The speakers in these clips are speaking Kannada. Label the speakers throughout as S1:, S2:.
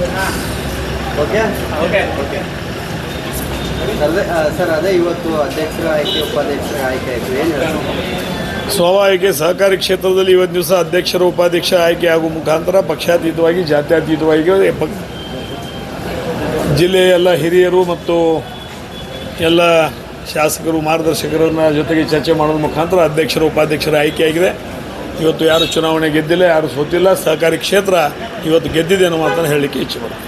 S1: ಓಕೆ ಓಕೆ ಓಕೆ ಸರ್ ಅದೇ ಇವತ್ತು ಅಧ್ಯಕ್ಷರ ಆಯ್ಕೆ ಉಪಾಧ್ಯಕ್ಷರ ಆಯ್ಕೆ ಆಯಿತು ಏನು ಹೇಳ್ತಾರೆ?
S2: ಸ್ವಾಭಾವಿಕ ಸಹಕಾರಿ ಕ್ಷೇತ್ರದಲ್ಲಿ ಇವತ್ತು ದಿವಸ ಅಧ್ಯಕ್ಷರು ಉಪಾಧ್ಯಕ್ಷ ಆಯ್ಕೆ ಆಗುವ ಮುಖಾಂತರ ಪಕ್ಷಾತೀತವಾಗಿ ಜಾತ್ಯತೀತವಾಗಿ ಜಿಲ್ಲೆಯ ಎಲ್ಲ ಹಿರಿಯರು ಮತ್ತು ಎಲ್ಲ ಶಾಸಕರು ಮಾರ್ಗದರ್ಶಕರನ್ನ ಜೊತೆಗೆ ಚರ್ಚೆ ಮಾಡೋದ್ರ ಮುಖಾಂತರ ಅಧ್ಯಕ್ಷರು ಉಪಾಧ್ಯಕ್ಷರ ಆಯ್ಕೆಯಾಗಿದೆ. ಇವತ್ತು ಯಾರು ಚುನಾವಣೆ ಗೆದ್ದಿಲ್ಲ, ಯಾರು ಸೋತಿಲ್ಲ, ಸಹಕಾರಿ ಕ್ಷೇತ್ರ ಇವತ್ತು ಗೆದ್ದಿದೆ ಅನ್ನೋ ಮಾತನ್ನು ಹೇಳಲಿಕ್ಕೆ ಇಚ್ಛೆ ಬರುತ್ತೆ.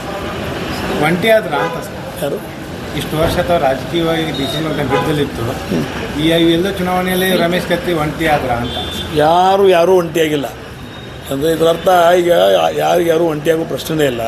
S3: ಒಂಟಿ ಆದ್ರ ಅಂತ
S2: ಯಾರು
S3: ಇಷ್ಟು ವರ್ಷ ಅಥವಾ ರಾಜಕೀಯವಾಗಿ ಡಿಸಿಷನ್ ಅಂತ ಬಿದ್ದಲಿತ್ತು, ಈ ಎಲ್ಲ ಚುನಾವಣೆಯಲ್ಲಿ ರಮೇಶ್ ಕತ್ತಿ ಒಂಟಿ ಆದ್ರ ಅಂತ.
S2: ಯಾರೂ ಒಂಟಿಯಾಗಿಲ್ಲ. ಅಂದರೆ ಇದರರ್ಥ ಈಗ ಯಾರು ಒಂಟಿಯಾಗೋ ಪ್ರಶ್ನೆನೇ ಇಲ್ಲ.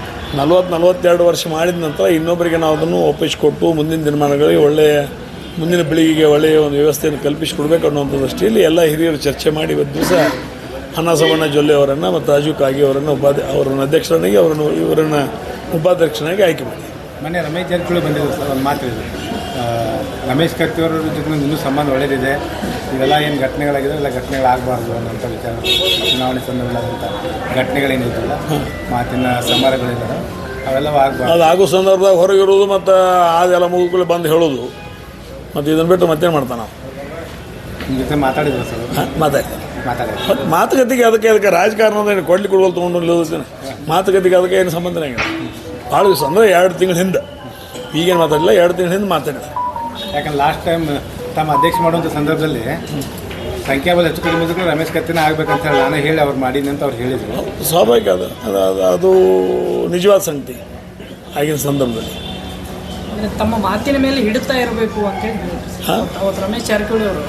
S2: 42 ವರ್ಷ ಮಾಡಿದ ನಂತರ ಇನ್ನೊಬ್ಬರಿಗೆ ನಾವು ಅದನ್ನು ಒಪ್ಪಿಸಿಕೊಟ್ಟು ಮುಂದಿನ ದಿನಮಾನಗಳಿಗೆ ಮುಂದಿನ ಪೀಳಿಗೆಗೆ ಒಳ್ಳೆಯ ಒಂದು ವ್ಯವಸ್ಥೆಯನ್ನು ಕಲ್ಪಿಸಿಕೊಡ್ಬೇಕು ಅನ್ನೋಂಥ ದೃಷ್ಟಿಯಲ್ಲಿ ಎಲ್ಲ ಹಿರಿಯರು ಚರ್ಚೆ ಮಾಡಿ ಇವತ್ತು ದಿವಸ ಅನ್ನಸವಣ್ಣ ಜೊಲ್ಲೆ ಅವರನ್ನು ಮತ್ತು ರಾಜು ಕಾಗಿ ಅವರನ್ನು ಅವರನ್ನು ಅಧ್ಯಕ್ಷರನ್ನಾಗಿ ಇವರನ್ನು ಉಪಾಧ್ಯಕ್ಷನಾಗಿ ಆಯ್ಕೆ ಮಾಡಿ.
S3: ಮೊನ್ನೆ ರಮೇಶ್ ಜಾರಕಿಹೊಳಿ ಬಂದಿದ್ರು ಸರ್, ಒಂದು ಮಾತು ಹೇಳಿದ್ರು, ರಮೇಶ್ ಕತ್ತಿಯವರ ಜೊತೆ ಇನ್ನೂ ಸಂಬಂಧ ಒಳ್ಳೆಯದಿದೆ, ಇವೆಲ್ಲ ಏನು ಘಟನೆಗಳಾಗಿದೆ ಎಲ್ಲ ಘಟನೆಗಳಾಗಬಾರ್ದು ಅನ್ನೋಂಥ ವಿಚಾರ. ಚುನಾವಣೆ ಸಂದರ್ಭದಂಥ ಘಟನೆಗಳೇನಿದ್ದಿಲ್ಲ, ಮಾತಿನ ಸಮರಗಳಿದ್ದಾವೆ, ಅವೆಲ್ಲವೂ ಆಗಬಾರ್ದು.
S2: ಅದು ಆಗೋ ಸಂದರ್ಭದಾಗ ಹೊರಗಿರೋದು ಮತ್ತು ಅದೆಲ್ಲ ಮುಗಿದ್ಕೊಳ್ಳಿ ಬಂದು ಹೇಳೋದು, ಮತ್ತು ಇದನ್ನು ಬಿಟ್ಟು ಮತ್ತೇನು ಮಾಡ್ತಾನೆ ನಾವು
S3: ನಿಮ್ಮ ಜೊತೆ ಮಾತಾಡಿದ್ರು ಸರ್? ಮಾತಾಡಿದ್ರು.
S2: ಮಾತುಕತೆಗೆ ಅದಕ್ಕೆ ರಾಜಕಾರಣದ ಏನು ಕೊಡ್ಲಿಕ್ಕೆ ಕೊಡುವಲ್ಲಿ ತೊಗೊಂಡು ಮಾತುಕತೆಗೆ ಅದಕ್ಕೆ ಏನು ಸಂಬಂಧನೇ ಆಗಿಲ್ಲ. ಭಾಳ ದಿವಸ ಅಂದರೆ 2 ತಿಂಗಳ ಹಿಂದೆ, ಈಗೇನು ಮಾತಾಡಿಲ್ಲ, 2 ತಿಂಗಳ ಹಿಂದೆ ಮಾತಾಡಿಲ್ಲ.
S3: ಯಾಕಂದ್ರೆ ಲಾಸ್ಟ್ ಟೈಮ್ ತಮ್ಮ ಅಧ್ಯಕ್ಷ ಮಾಡುವಂಥ ಸಂದರ್ಭದಲ್ಲಿ ಸಂಖ್ಯಾಬಲ ಹೆಚ್ಚು ಕಡಿಮೆ ಇದ್ದರೂ ರಮೇಶ್ ಕತ್ತಿನ ಆಗ್ಬೇಕಂತ ಹೇಳಿ ನಾನು ಹೇಳಿ ಅವ್ರು ಮಾಡೀನಿ ಅಂತ ಅವ್ರು ಹೇಳಿದರು.
S2: ಸ್ವಾಭಾವಿಕ ಅದು ನಿಜವಾದ ಸಂಗತಿ. ಆಗಿನ ಸಂದರ್ಭದಲ್ಲಿ
S4: ತಮ್ಮ ಮಾತಿನ ಮೇಲೆ ಹಿಡಿತಾ ಇರಬೇಕು ಅಂತ ಹೇಳಿ ಅವತ್ತು ರಮೇಶ್ ಜಾರಕಿಹೊಳಿ ಅವರು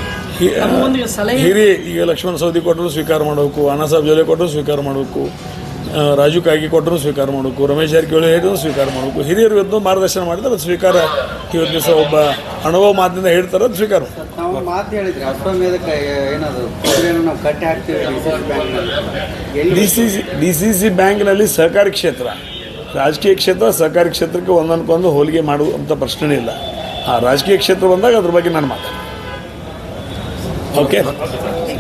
S2: ಹಿರಿಯ ಈಗ ಲಕ್ಷ್ಮಣ ಸವದಿ ಕೊಟ್ಟರು ಸ್ವೀಕಾರ ಮಾಡಬೇಕು, ಅಣ್ಣಾಸಾಹೇಬ್ ಜೊಲ್ಲೆ ಕೊಟ್ಟರು ಸ್ವೀಕಾರ ಮಾಡಬೇಕು, ರಾಜು ಕಾಗಿ ಕೊಟ್ಟರು ಸ್ವೀಕಾರ ಮಾಡಬೇಕು, ರಮೇಶ್ ಜಾರಕಿಹೊಳಿ ಹೇಳಿದ್ರು ಸ್ವೀಕಾರ ಮಾಡಬೇಕು. ಹಿರಿಯರು ಇವತ್ತು ಮಾರ್ಗದರ್ಶನ ಮಾಡಿದ್ರೆ ಅದು ಸ್ವೀಕಾರ ಇವತ್ತು ದಿವಸ ಒಬ್ಬ ಅನುಭವ ಮಾತಿನಿಂದ ಹೇಳ್ತಾರೆ, ಅದು ಸ್ವೀಕಾರ.
S1: ನಾವು ಮಾತು ಹೇಳಿದ್ರಿ ಅಶ್ವಮೇಧಕ್ಕೆ ಏನದು ನಾವು ಕಟ್ಟಿ ಹಾಕ್ತೀವಿ
S2: ಡಿ ಸಿ ಸಿ ಬ್ಯಾಂಕ್ನಲ್ಲಿ ಸಹಕಾರಿ ಕ್ಷೇತ್ರ, ರಾಜಕೀಯ ಕ್ಷೇತ್ರ, ಸಹಕಾರಿ ಕ್ಷೇತ್ರಕ್ಕೆ ಒಂದೊಂದಕ್ಕೊಂದು ಹೋಲಿಕೆ ಮಾಡುವಂಥ ಪ್ರಶ್ನೆ ಇಲ್ಲ. ಆ ರಾಜಕೀಯ ಕ್ಷೇತ್ರ ಬಂದಾಗ ಅದ್ರ ಬಗ್ಗೆ ನಾನು ಮಾತಾಡ್ತೀನಿ. ಓಕೆ.